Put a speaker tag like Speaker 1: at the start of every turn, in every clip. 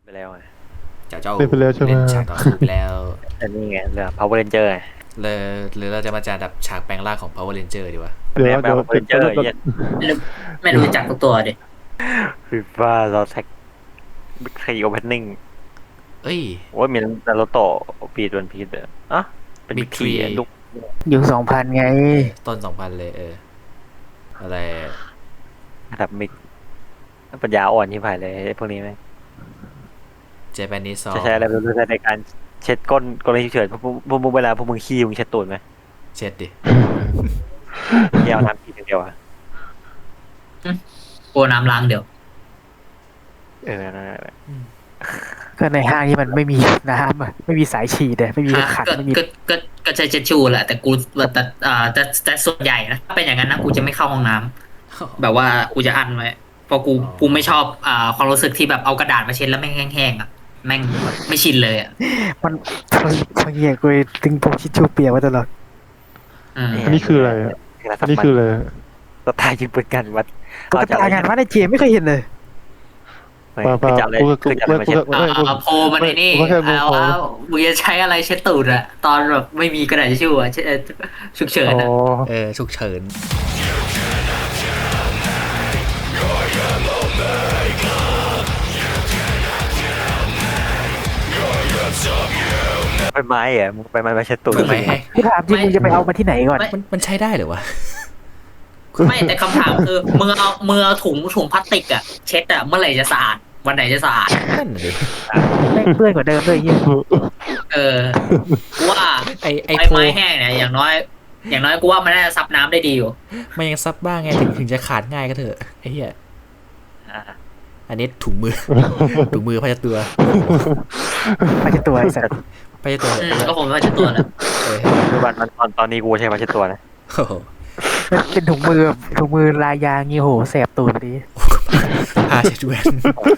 Speaker 1: แล้วไง
Speaker 2: เจ้า
Speaker 3: เล่นไปแล้วใช่ไหม
Speaker 2: เล่นฉากต่อสู้ไปแล้ว
Speaker 1: อันนี้ไงเรื่อง Power Ranger ไง
Speaker 2: เลยหรือเราจะมาจาดับฉากแปลงร่างของ Power Ranger ดีวะ
Speaker 3: เดี๋ยว
Speaker 1: แนว Power Ranger เหี้ย
Speaker 4: ไม่รู้จักทุกตัวดิ
Speaker 1: คือว่าเราแท็กบิ๊กไทโอเพนนิ่ง
Speaker 2: เอ้ย
Speaker 1: ว่ามีนารูโตะปีดวันพีซอ่ะเป็นบิ๊กทีลูก
Speaker 5: ยุค2000ไง
Speaker 2: ต้น 2000 เลยอะไร
Speaker 1: ระดับมิกปัญญาอ่อนที่ผ่านเลยพวกนี้ไหม
Speaker 2: เจแปนนิสซอ
Speaker 1: จะใช้อะไรเป็นในการเช็ดก้นกรณีฉุกเฉินพวกมึงเวลาพวกมึงขี้มึงเช็ดตูดไหม
Speaker 2: เช็ดดิ
Speaker 1: เที่ยวน้ำขี้เดียวอ่ะ
Speaker 4: โกน้ำล้างเดี๋ยว
Speaker 1: นั่นแหละ
Speaker 5: ก็ในห้างที่มันไม่มีน้ำอะไม่มีสายฉีดอะไม่มีขัน
Speaker 4: ก็
Speaker 5: ไม่มี
Speaker 4: ก็ใช้เช็ดชูแหละแต่กูแต่ส่วนใหญ่นะถ้าเป็นอย่างนั้นนะกูจะไม่เข้าห้องน้ำแบบว่ากูจะอั้นไว้เพราะกูไม่ชอบความรู้สึกที่แบบเอากระดาษมาเช็ดแล้วแม่งแห้งๆอ่ะแม่งไม่ชินเลยอ่ะ
Speaker 5: มันบางอย่างกูตึงพวกชิชชูเปียกไว้ตลอด
Speaker 3: อันนี้คืออะไรอะอันนี้คืออะไรอะ
Speaker 1: สไตล์ยิงปืนกันวัด
Speaker 5: ตุ๊กตางานวัดในเจมไม่เคยเห็นเลย
Speaker 1: คือจับเลยคือจับเลยมาเช็ด
Speaker 4: โพลมันไอ้นี่ว่ามึงจะใช้อะไรเช็ดตูดอะตอนแบบไม่มีกระดาษทิชชู่อะฉุกเฉิน
Speaker 5: อ๋อ
Speaker 4: อะ
Speaker 2: ฉุกเฉิน
Speaker 1: ไปไม้อะมึงไปไม้มาเช็ดตูด
Speaker 2: ไม่ให้
Speaker 5: ที่ถามจริงมึงจะไปเอามาที่ไหนก่อน
Speaker 2: มันใช้ได้เหรอวะ
Speaker 4: ไม่แต่คำถามคือมือถุงพลาสติกอะเช็ดอะเมื่อไหร่จะสะอาดวันไหนจะสะอาด
Speaker 2: นั่นน่ะดิ
Speaker 5: แม่งเปื้อนกว่าเดิมเลยเฮีย
Speaker 4: กูว่า
Speaker 2: ไอ
Speaker 4: ใบ
Speaker 2: โพ
Speaker 4: ไม้แห้งเนี่ยอย่างน้อยกูว่ามันน่าจะซับน้ำได้ดีอยู่
Speaker 2: มันยังซับบ้างไงถึงจะขาดง่ายก็เถอะไอ้เหี้ยอันนี้ถุงมือ ถุงมือพาเช็ดตัว
Speaker 5: มาจะตัวไอ้สัตว์
Speaker 2: พาเช็ดตัว
Speaker 4: ก็คงไม่ว่าจะตัวแล้ว
Speaker 1: คือวันตอนนี้กูใช้มาเช็ดตัวนะ
Speaker 2: โอ้โห
Speaker 5: มันเป็นถุงมือแบบถุงมือลายยางงี้โหแสบตูดพอดี
Speaker 2: ผ้าเช็ดแว่น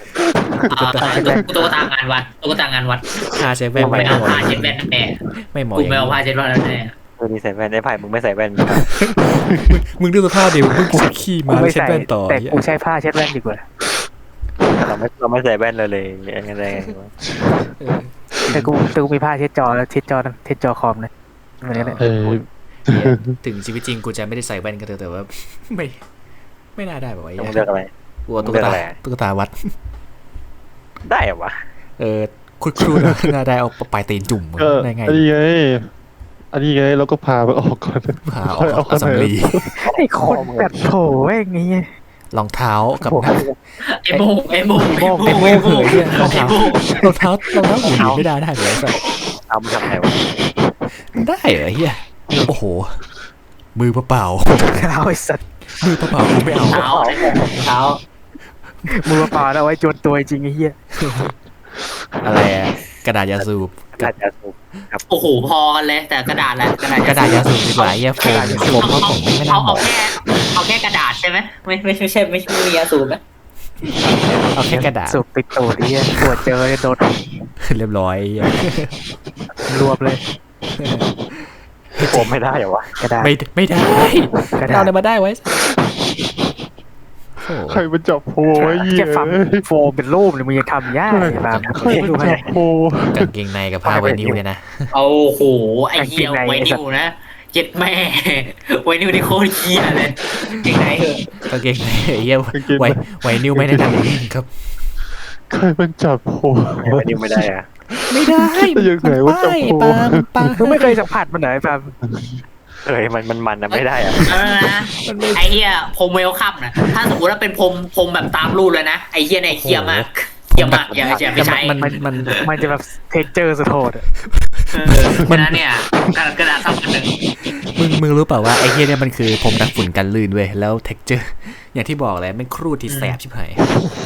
Speaker 4: ตุ๊กตางานวัด
Speaker 2: ผ้าเช็ดแว่น
Speaker 4: ไม่
Speaker 2: ไม่
Speaker 4: เอา
Speaker 2: เหมาะ
Speaker 4: ผ้าเช็ดแว่นแน่
Speaker 2: ไม่เหมาะ
Speaker 4: กู
Speaker 2: อย่าง
Speaker 4: ไม่เอาผ้า
Speaker 2: นี้
Speaker 4: เช็ดแว่นแน่
Speaker 1: นี่ใส่แว่นไอ้ไผ่มึงไม่ใส่แว่น
Speaker 2: มึงดูสภาพดิมึงใส่ขี้มา
Speaker 5: กูไม่
Speaker 2: เช็ด
Speaker 5: ใส่
Speaker 2: แว่นต่อ
Speaker 5: แต่กูใช้ผ้าเช็ดแว่นดีกว่า
Speaker 1: เราไม่ใส่แว่นเลยยังไง
Speaker 5: แต่กูมีผ้าเช็ดจอคอมนะเหมือนกันเลย
Speaker 2: ถึงชีวิตจริงกูจะไม่ได้ใส่แว่นก็เถอะแต่ว่า ไม่น่าได้แบบว่า
Speaker 1: ต้องเลือกอะไร
Speaker 2: กลัวตุ๊กตาวัด
Speaker 1: ได้เหรอวะ
Speaker 2: คุณครูน่าได้เอาปลายตีนจุ่ม
Speaker 3: ก็
Speaker 2: ได้ไง
Speaker 3: อันนี้ไงเราก็พามันออกก่อน
Speaker 2: หาออกสำลี
Speaker 5: ไอ้คนแบบโถแม่งงี้
Speaker 2: รองเท้ากับ
Speaker 4: ไอ้โมง
Speaker 2: ไอ้โม่เหยเนี่ยรองเท้หูหนีไม่ได้เลยสัส
Speaker 1: เอามาทำไงวะ
Speaker 2: ได้เหรอเฮียโอ้โหมือเปล่า
Speaker 5: เอาไอ้สัตว์
Speaker 2: มือเปล่ากูไม่เอา
Speaker 4: เท้า
Speaker 5: มือเปล่าเอาไว้โจนตัวจริงไอ้เหี้ย
Speaker 2: อะไรกระดาษยาสูบ
Speaker 1: กระดาษสูบ
Speaker 4: โอ้โหพอกันเลยแต่กระดาษแหละ
Speaker 2: กระดาษยาสูบดีกว่าเฮียโฟมเพราะผมไม่น่าเหมาะ
Speaker 4: เอาแค่กระดาษใช่ไหมไม่ใช่มียาสูบไหม
Speaker 2: เอาแค่กระดาษ
Speaker 5: สูบติดตูดไอ้เหี้ยปวดเจอโดน
Speaker 2: เรียบร้อย
Speaker 5: รวบเลย
Speaker 1: ผมไม่ได้เหรอวะ
Speaker 5: กระดาษ
Speaker 2: ไม่ได้
Speaker 5: กระดาษ
Speaker 2: เราเลยมาได้ไว้โอ้
Speaker 3: ใครมันจับโพไว้เหี้ย
Speaker 5: แค่ฟังโฟมเป็นรูปเนี่ยมึงยังทำยากเลยแบบ
Speaker 3: ใครมันจับโพ
Speaker 2: กางเกงในกับผ้าไวนิวเนี่ยนะ
Speaker 4: เอาโหไอ้เหี้ยไวนิวนะเจ็ดแม่ไวนิวนี่โคตรเหี้ยเลยจริงไหนเหรอก
Speaker 2: างเกงในเฮียไวนิวไม่แนะนำครับ
Speaker 3: ใครมันจับโพ
Speaker 1: วันนี้ไม่ได้อะ
Speaker 2: ไม่ได้
Speaker 3: ยังไงว่าจับโพ
Speaker 2: ป้า
Speaker 5: มึงไม่เคยสัมผัสมันเหรอไอ้แบบ
Speaker 1: มันนะไม่ได้อะ
Speaker 4: นะไอ้เหี้ยพรมเวลคัมนะถ้าสมมติว่าเป็นพรมแบบตามรูปเลยนะไอ้เหี้ยเนี่ยเหี้ยมากอย่าไปใช้
Speaker 5: มันจะแบบเทคเจอร์สุดโหด
Speaker 4: มันเนี่ยกระดาษซับกันหนึ่ง
Speaker 2: มึงรู้เปล่าว่าไอ้เฮียเนี่ยมันคือผมดักฝุ่นกันลื่นเว้ยแล้วเท็กเจอร์อย่างที่บอกแหละมันครูดที่แสบชิบหาย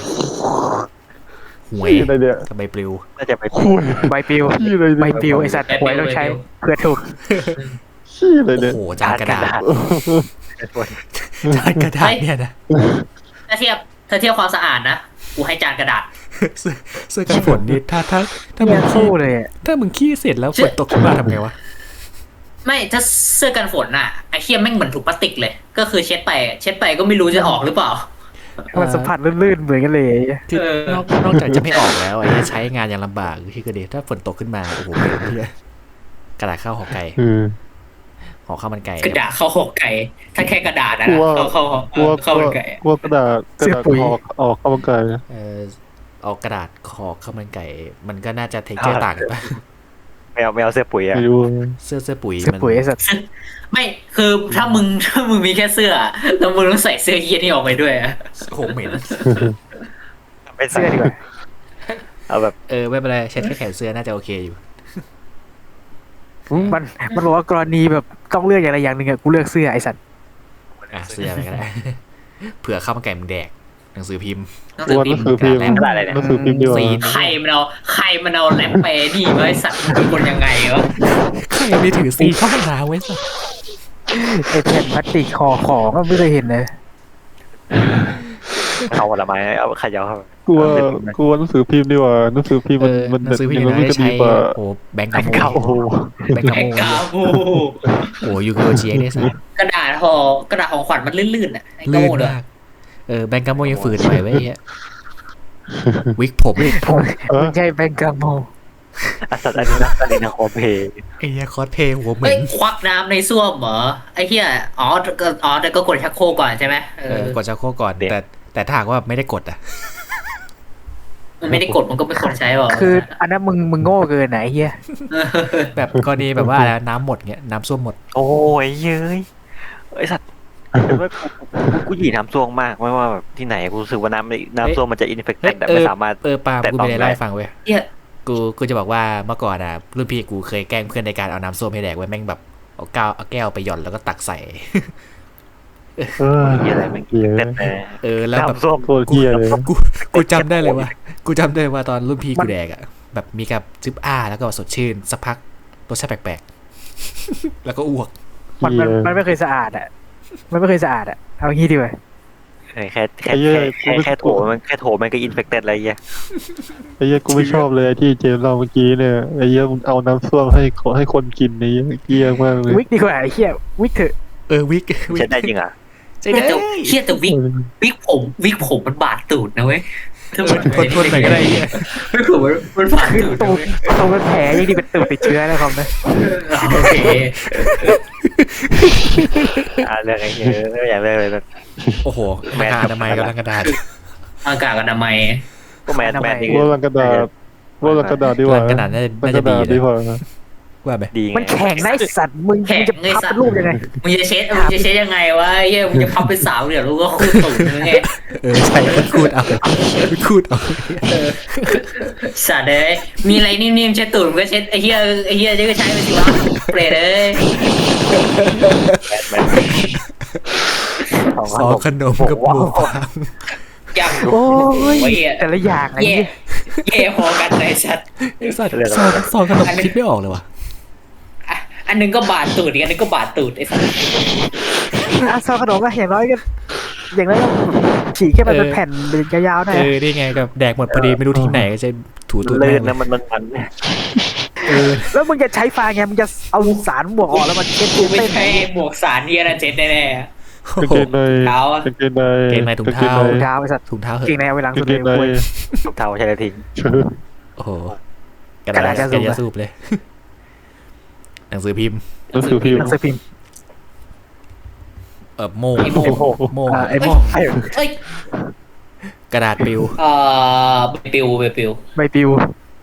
Speaker 2: หวย
Speaker 3: อะไรเนี่ย
Speaker 2: กับใบปลิว
Speaker 1: น่าจะไป
Speaker 3: คุย
Speaker 5: ใบปลิว
Speaker 3: ขี้อะไร
Speaker 5: ใบ
Speaker 3: เนี่ย
Speaker 5: ปลิวไอ้สัตว์หวยต้องใช้เพื่อถูก
Speaker 3: ขี้อะไร
Speaker 2: โอ้
Speaker 3: เนี่ย
Speaker 2: โหจานกระดาษจานกระดาษเนี่ยนะ
Speaker 4: ถ้าเทียบความสะอาดนะกูให้จานกระดาษ
Speaker 2: เสื้อกันฝนนี่ถ้ามึ
Speaker 5: เหี้
Speaker 2: ง
Speaker 5: ย
Speaker 2: ขี้
Speaker 5: คู่เลย
Speaker 2: ถ้ามึงขี้เสร็จแล้วฝนตกขึ้นมาทำไงวะ
Speaker 4: ไม่ถ้าเสื้อกันฝนน่ะไอ้เหี้ยแม่งเหมือนถุงพลาสติกเลย ก็คือเช็ดไปก็ไม่รู้จะออกหรือเปล่า
Speaker 5: มันสัมผัสลื่นๆเหมือนกันเลย
Speaker 2: คือนอกจากจะไม่ออกแล้วไอ้ใช้งานยังลำบากที่ก็ดีถ้าฝนตกขึ้นมาโอ้โหเป็นเหี้ยกระดาษข้าวห่อไก่ ห่อข้าวมันไก่
Speaker 4: กระดาษเข้าหอกไก่ถ้าแค่กระดาษนะ
Speaker 3: กลัว
Speaker 4: เข้า
Speaker 3: กลัว
Speaker 4: เข้ามันไก่
Speaker 3: กลัวกระดาษออกเข้ามังไก่
Speaker 2: เอากระดาษห่อข้าวมันไก่ มันก็น่าจะเทคเจอร์ต่างกันปะ
Speaker 1: ไม่เอาเสื้อปุ๋ยอะ
Speaker 3: ไม่รู้
Speaker 2: เสื้อปุ๋ย
Speaker 5: เสื้อ
Speaker 2: มัน
Speaker 5: ปุ๋ยไอ้สัตว์
Speaker 4: ไม่คือถ้ามึงมีแค่เสื้อแล้วมึงต้องใส่เสื้อเยียนี่ออกไปด้วยอะ
Speaker 2: โอ้โหเหม็น
Speaker 1: ไม่ใส่
Speaker 5: เสื้อดีกว่า
Speaker 1: เอาแบบ
Speaker 2: ไม่เป็นไรเช็ดแค่แขนเสื้อน่าจะโอเคอยู่
Speaker 5: มันบอกว่ากรณีแบบต้องเลือกอย่างใดอย่างหนึ่งอะกูเลือกเสื้อไอ้สัตว์
Speaker 2: เสื้อไปก็ได้ เผื่อข้าวมันไก่มึงแดกหนังสือพิมพ์
Speaker 4: ต้อง
Speaker 3: กลัวหนังสือพิมพ์
Speaker 1: กระดาษอะไรเนี่ย
Speaker 3: หนังสือพิมพ์ดีกว่า
Speaker 4: ใครมันเอาแรปไปนี่ไว้สัตว์เป็นคนยังไงวะ
Speaker 2: ใครไม่ถือซีเข้าห้องน้ำไว้สัก
Speaker 5: ไอ้แผ่นพลาสติกห่อของก็ไม่เคยเห็นเลย
Speaker 1: เอาผลไม้เอาขยาวเข้าไป
Speaker 3: กลัวหนังสือพิมพ์ดีกว่าหนังสือพิมพ์มัน
Speaker 2: หนังสือพิมพ์
Speaker 3: มัน
Speaker 2: นะ
Speaker 3: จะ
Speaker 2: ใช้
Speaker 3: ดีกว่า
Speaker 2: โอ้แบงก์กาโม
Speaker 3: โอ้โห
Speaker 2: แบงก์กา
Speaker 4: ไอ้
Speaker 2: โม
Speaker 4: กาบู
Speaker 2: โอ้ยูโกเชียได้สัก
Speaker 4: กระดาษของขวัญมันลื่นๆอ่ะไอ้กา
Speaker 2: ลื่น
Speaker 4: โมเด้อ
Speaker 2: มากแบงก์กาโมยังฝืนไปไว้เหี้ยวิกผม
Speaker 5: มันใช่แบงกาโม
Speaker 1: สัตว์อันนี้นะคอเพย์
Speaker 2: ไอ้เหี้ยคอสเพลย์หัวเหม็
Speaker 4: เฮ้ย
Speaker 2: น
Speaker 4: ควักน้ำในส้วมเหรอไอ้เหี้ยแต่ก็กดชักโครกก่อนใช่ไหม
Speaker 2: กดชักโครกก่อนแต่ถ้าหากว่าไม่ได้กดอ่ะ
Speaker 4: มันไม่ได้กดมันก็ไม่ควรใช้หรอก
Speaker 5: คืออันนั้นมึงโง่เกินไหนเฮีย
Speaker 2: แบบกรณีแบบว่าน้ำหมดเงี้ยน้ำส้วมหมด
Speaker 1: โอ้ยเย้ยไอสัตว์กูหยีน้ำซ่วงมากไม่ว่าแบบที่ไหนกูรู้สึกว่าน้ำซ่วงมันจะอินเฟคต์แต่ไม่สามารถ
Speaker 2: ปาล์มกูไม่ได้เล่าให้ฟังเว้ย
Speaker 4: เหี้ย
Speaker 2: กูจะบอกว่าเมื่อก่อนรุ่นพี่กูเคยแกล้งเพื่อนในการเอาน้ำส้มให้แดกไว้แม่งแบบเอาแก้วไปหย่อนแล้วก็ตักใส่
Speaker 1: เหี้ยอะไรมันเต้น
Speaker 2: แล้วแบบ
Speaker 1: น้ำส้ม
Speaker 3: โคตรเกลียดเลย
Speaker 2: กูจำได้เลยว่าตอนรุ่นพี่กูแดกแบบมีกับซึบแล้วก็สดชื่นสักพักรสชาติแปลกๆแล้วก็อ้วก
Speaker 5: มันไม่เคยสะอาดอ่ะมันไม่เคยสะอาดอ่ะเอางี้ดีกว่า
Speaker 1: แค่โถมันก็อินเฟคเต็ดอะไรเงี้ย
Speaker 3: ไอ้เหี้ยกูไม่ชอบเลยที่เจมเราเมื่อกี้เนี่ยไอ้เหี้ยมึงเอาน้ำส้วมให้คนกินนี่เกลียดมากเลย
Speaker 5: วิกดีกว่าไอ้เฮียวิกเถอะ
Speaker 2: วิก
Speaker 1: ใช้ได้จริงอ่ะ
Speaker 2: ใช่ได้
Speaker 4: เหี้ยแต่วิกผมมันบาดตูดนะเว้ย
Speaker 2: ทนหน่อยก็ได้เหี้ย
Speaker 4: วิกผมมันบาด
Speaker 5: คือ
Speaker 4: ตูด
Speaker 5: ตูดตรงเป็นแผลยังดีเป็นตูดติดเชื้อนะครับนะ
Speaker 4: โอเค
Speaker 1: เรื่องไอ้เงี้ยอย่างเรื่องเลย
Speaker 2: โอ้โหหน้ากากอนามัยกับลังกระดาษ
Speaker 4: อากาศอนามัย
Speaker 1: ก็แมนนี่
Speaker 3: ว่าลังกระดาษดีกว่า
Speaker 2: ลังกระดาษน่า
Speaker 3: ลัง
Speaker 2: จะ
Speaker 3: กระ
Speaker 2: ดี
Speaker 3: ดาษดีกว่า
Speaker 2: ว่าไหม
Speaker 1: ดี
Speaker 5: มันแข็งนะไอ้สัตว์มึงจะพับเป็นรูปยังไง
Speaker 4: มึงจะเช็ดยังไงวะเหี้ยมึงจะพับเป็นสาวเดี๋ยวลูกก็คูดตูดมึงไง
Speaker 2: ใช่คูดเอา
Speaker 4: สัตว์เลยมีอะไรนิ่มๆเช็ดตูดมึงก็เช็ดไอ้เหี้ยจะก็ใช้ไปสิวะเปรตเลย
Speaker 2: ซอขนมกับหมูฟาง
Speaker 4: อย่าง
Speaker 5: โอ้ย
Speaker 4: โอ้ย
Speaker 5: แต่ละอย่างไอ้
Speaker 4: เย่พอกันเลยสัตว์
Speaker 2: ไอ้สัตว์ซอขนมคิดไม่ออกเลยว่ะ
Speaker 4: อันนึงก็บาดตูดอีกอันนึงก็บาดตูดไอ้สัตว์
Speaker 5: ซองขนมก็อย่างน้อยก็ฉีกแค่มันเป็นแผ่นยาวๆหน่อย
Speaker 2: นี่ไงกับแดกหมดพอดีไม่รู้ที่ไหนก็จะถูตูด
Speaker 1: เลื่
Speaker 2: แม่
Speaker 1: น
Speaker 2: ง
Speaker 1: นะมัน
Speaker 5: แล้วมึงจะใช้ฟางไงมึงจะเอาสารบวกออกแล้วมันเช็ด
Speaker 4: กูไม่
Speaker 5: เต้น
Speaker 4: ใช่บวกสารเนียนะเจ็ดแน่
Speaker 2: โอ้
Speaker 3: กาง
Speaker 2: โห
Speaker 3: เกงใน
Speaker 2: ถุงเท้า
Speaker 5: เท้าไอ้สัตว์
Speaker 2: ถุงเท้าเห
Speaker 5: เก่ง
Speaker 2: อะ
Speaker 5: ในเอาไว้หลัง
Speaker 3: กา
Speaker 5: สุ
Speaker 3: ง
Speaker 5: ด
Speaker 3: เก
Speaker 5: เลย
Speaker 3: งใน
Speaker 5: เว้ย
Speaker 1: เท้าใช้กระทิง
Speaker 2: โอ้โหกระดาษแกจะสูบเลยหนังสือพิมพ์
Speaker 3: หนังสือพิมพ์
Speaker 5: หนังสือพิมพ์
Speaker 2: โม่ง
Speaker 5: ไอ้โม่
Speaker 4: ๆเอ้ย
Speaker 2: กระดาษปิว
Speaker 4: ใบปิว
Speaker 5: ใบปลิว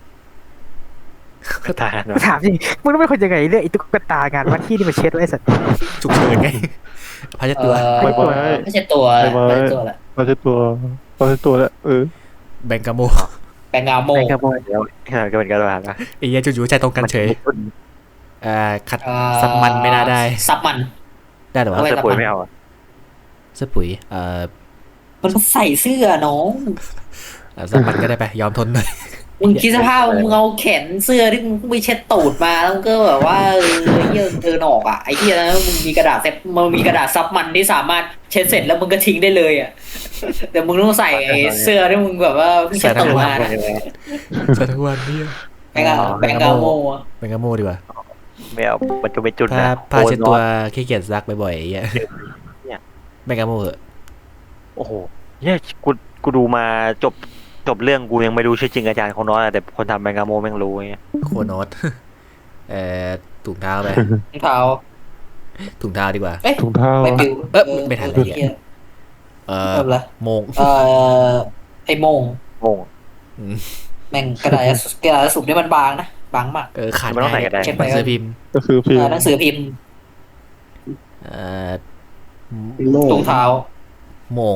Speaker 1: ตา
Speaker 5: ถามจริงมึงต้องเป็นคนยังไงเรื่องไอ้ตุ๊กตางานวัดที่นี่มาเช็ดไว้ไอ้สัตว์
Speaker 2: ฉุกเฉินไงพาจะตัว
Speaker 4: ไม่ใช่ตัวละ
Speaker 3: เราจะตัวแล้ว
Speaker 2: แบงกาโม
Speaker 4: แปลงเงาโม
Speaker 5: แม่งขโมย
Speaker 1: เดี๋ยวก็เป็นการทหารนะ
Speaker 2: ไอ้เหี้ยจู่ๆใจตรงกันเฉยขัดซับมันไม่น่าได้
Speaker 4: ซับมัน
Speaker 2: ได้หรอวะ
Speaker 1: เสื้อปุ๋ยไม่เอา
Speaker 2: เสื้อปุ๋ย
Speaker 4: มันใส่เสื้อน้อง
Speaker 2: ซับมันก็ได้ไปยอมทนหน่อย
Speaker 4: มึงคิดสภาพมึงเอาแขนเสื้อที่มึงไปเช็ดตูดมาแล้วมึงก็แบบว่าเยื่อเธอหนอกอ่ะไอ้ที่นั้นมึงมีกระดาษซับมันที่สามารถเช็ดเสร็จแล้วมึงก็ทิ้งได้เลยอ่ะแต่มึงต้องใส่เสื้อที่มึงแบบว่าเช็ดตูดมา
Speaker 2: ใส่ทั้งวันนี่
Speaker 4: แบงกาโม
Speaker 2: แบงกาโมดีกว่า
Speaker 1: ไม่เอามันจะเป็นจุดนะ
Speaker 2: ผ้าเช็ดตัวขี้เกียจซักบ่อยๆไอ้เหี้ยแบงกาโมเหอะ
Speaker 1: โอ้โหเนี่ยกูดูมาจบเรื่องกูยังไม่รู้ชื่อจริงอาจารย์ของน้อยแต่คนทำแมงกาโมแม่งรู้ไง
Speaker 2: โคโนต ถุงเท้าไป
Speaker 4: รองเท้า
Speaker 2: ถุงเท้าดีกว่า
Speaker 4: เอ๊ะ
Speaker 3: ถุงเท้า
Speaker 4: ไม่ปิว
Speaker 2: ไม่ทันเลยเนี่ย
Speaker 4: เริ่มละ
Speaker 2: โมง
Speaker 4: ไอ้โมง
Speaker 1: งง
Speaker 2: อืม
Speaker 4: แม่งกระดาษสุ่มนี่มันบางนะบางมาก
Speaker 2: ขาด
Speaker 1: มันต้องใส่
Speaker 2: ง่าย
Speaker 1: กระดาษ
Speaker 2: หนังสือพิมพ์
Speaker 3: ก็คือพิมพ์
Speaker 4: หนังสือพิมพ์
Speaker 2: เอ่อ
Speaker 4: ถุงเท้า
Speaker 2: โมง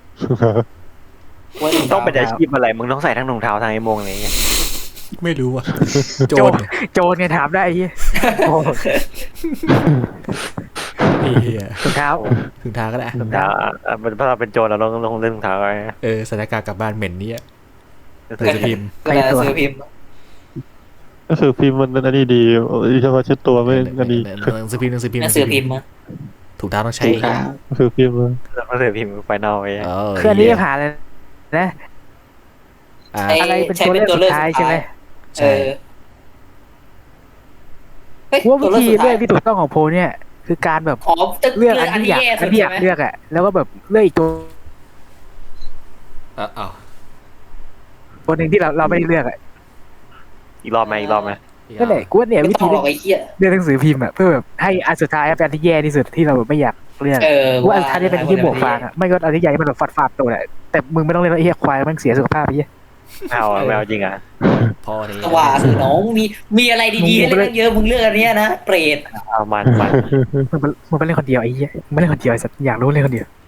Speaker 4: ไว้ถุง
Speaker 1: ต้
Speaker 4: เท้า
Speaker 1: องเป็นอาชีพอะไรมึงต้องใส่ทั้งถุงเท้าทั้งไอ้โมงอะไรเงี้ย
Speaker 2: ไม่รู้อ่ะ โจ
Speaker 5: โจ
Speaker 2: ร
Speaker 5: รโจรไงถามได้ไอ้เหี้ยโอ้
Speaker 2: เหี้ย
Speaker 5: ถุงเท้า
Speaker 2: ถุงเท้าก็ได้
Speaker 1: ถุงเท้าเพราะเราเป็นโจรเราต้องเล่นถุงเท้าไว้
Speaker 2: สถานการณ์กลับบ้านเหม็นเนี่ยหนัง
Speaker 1: ถื
Speaker 2: สือพิมพ์
Speaker 4: กระดาษหนังสือพิมพ์
Speaker 3: ก็คือพิมพ์มันอันนี้ดีเฉพาะเช็ดตัวไม่อันนี้
Speaker 2: หนังสือพิมพ์
Speaker 4: หนังสือพิมพ์อะ
Speaker 2: ถุงเท้าต้องใช้
Speaker 3: ก็คือพิมพ์
Speaker 1: เราถือพิมพ์ไฟนอลไว้
Speaker 5: คืออันนี้จะผ่านเลยนะ
Speaker 2: อ่า
Speaker 5: อะไรเป็นตัวเลือกสุดท้ายใช่ไหม
Speaker 2: ใช่
Speaker 5: ว่าวิธีเลือกที่ถูกต้องของโพลเนี่ย คือการแบบ
Speaker 4: อ๋อจะ
Speaker 5: เลือกอันที่อยาก
Speaker 4: แย่
Speaker 5: อั
Speaker 4: สุ
Speaker 5: น
Speaker 4: ด
Speaker 5: ที่อ
Speaker 4: ใช่
Speaker 5: ยาก
Speaker 4: ไหม
Speaker 5: เลือกอ่ะแล้วก็แบบเลือกอีกตัว
Speaker 2: อ้าว
Speaker 5: ตัวหนึ่งที่เราไม่ได้เลือกอ่ะ
Speaker 1: อีกรอบไหม
Speaker 5: นั่นแหละกูว่าเนี่ย
Speaker 4: ไม่
Speaker 5: วิ
Speaker 4: ต้อ
Speaker 5: ธี
Speaker 4: งหรอกไอ้เหี้ย
Speaker 5: เลือกหนังสือพิมพ์อ่ะเพื่อแบบให้อันสุดท้ายเป็นอันที่แย่ที่สุดที่เราแบบไม่อยากเลือก กูว่าอันสุดท้ายนี่เป็นที่บวกฟางอ่ะไม่ก็อันที่ใหญ่มันแบบฟาดตัวแหละแต่มึงไม่ต้องเล่นไอ้เหี้ยควายมันเสียสุขภาพไปเหี้ย
Speaker 1: ไม่เอาจริงอ่ะ
Speaker 2: พอนี้
Speaker 4: ว่าคือน้องมีอะไรดีๆให้เล่นเยอะมึงเลือกอันเนี้ยนะเปรต
Speaker 1: เอามัน
Speaker 5: มึงไปเล่นคนเดียวไอ้เหี้ยมึงไม่เล่นคนเดียวไอ้สัตว์อยากรู้เล่นคนเดียว